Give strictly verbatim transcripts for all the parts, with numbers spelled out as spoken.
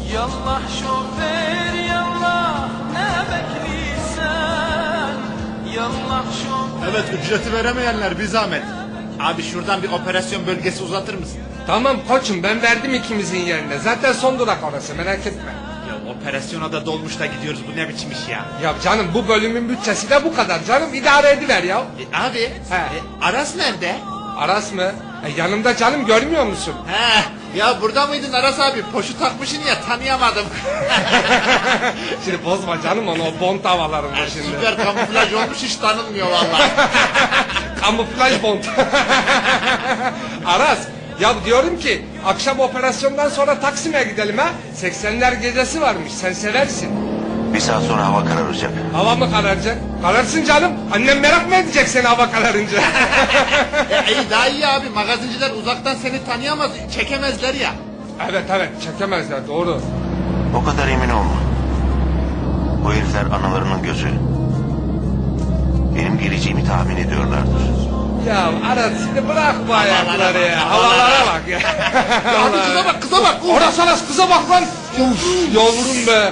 Yallah şoför yallah ne bekliysen. Yallah şoför. Evet, ücreti veremeyenler bir zahmet. Abi şuradan bir operasyon bölgesi uzatır mısın? Tamam koçum, ben verdim ikimizin yerine. Zaten son durak orası, merak etme. Ya operasyona da dolmuş da gidiyoruz, bu ne biçim iş ya? Ya canım, bu bölümün bütçesi de bu kadar canım, idare ediver ya. E, abi, He. e, Aras nerede? Aras mı? E, yanımda canım, görmüyor musun? He, ya burada mıydın Aras abi? Poşu takmışsın ya, tanıyamadım. Şimdi bozma canım onu, o bont havalarında şimdi. Süper kamuflaj olmuş, hiç tanınmıyor vallahi. Kamuflaj bont. Aras, ya diyorum ki akşam operasyondan sonra Taksim'e gidelim ha. seksenler gecesi varmış, sen seversin. Bir saat sonra hava kararacak. Hava mı kararacak? Kararsın canım. Annem merak mı edecek seni hava kararınca? e, iyi, daha iyi abi, magazinciler uzaktan seni tanıyamaz, çekemezler ya. Evet evet, çekemezler, doğru. O kadar emin olma. Bu herifler analarının gözü. Benim geleceğimi tahmin ediyorlardır. Ya Aras, şimdi bırak bu ayakları ya. Havalara bak ya. Ya abi kıza bak, kıza bak. Orası Aras, kıza bak lan. Uf, yavrum be.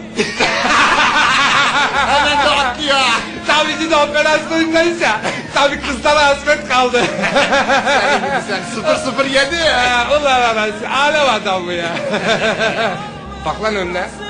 Hemen de atlıyor. Tabii ki de operasyondayız ya. Tabii kızlara hasret kaldı. Sen gibi sen, sıfır sıfır yedi. Ya, ulan Aras, alem adamı ya. Bak lan önüne.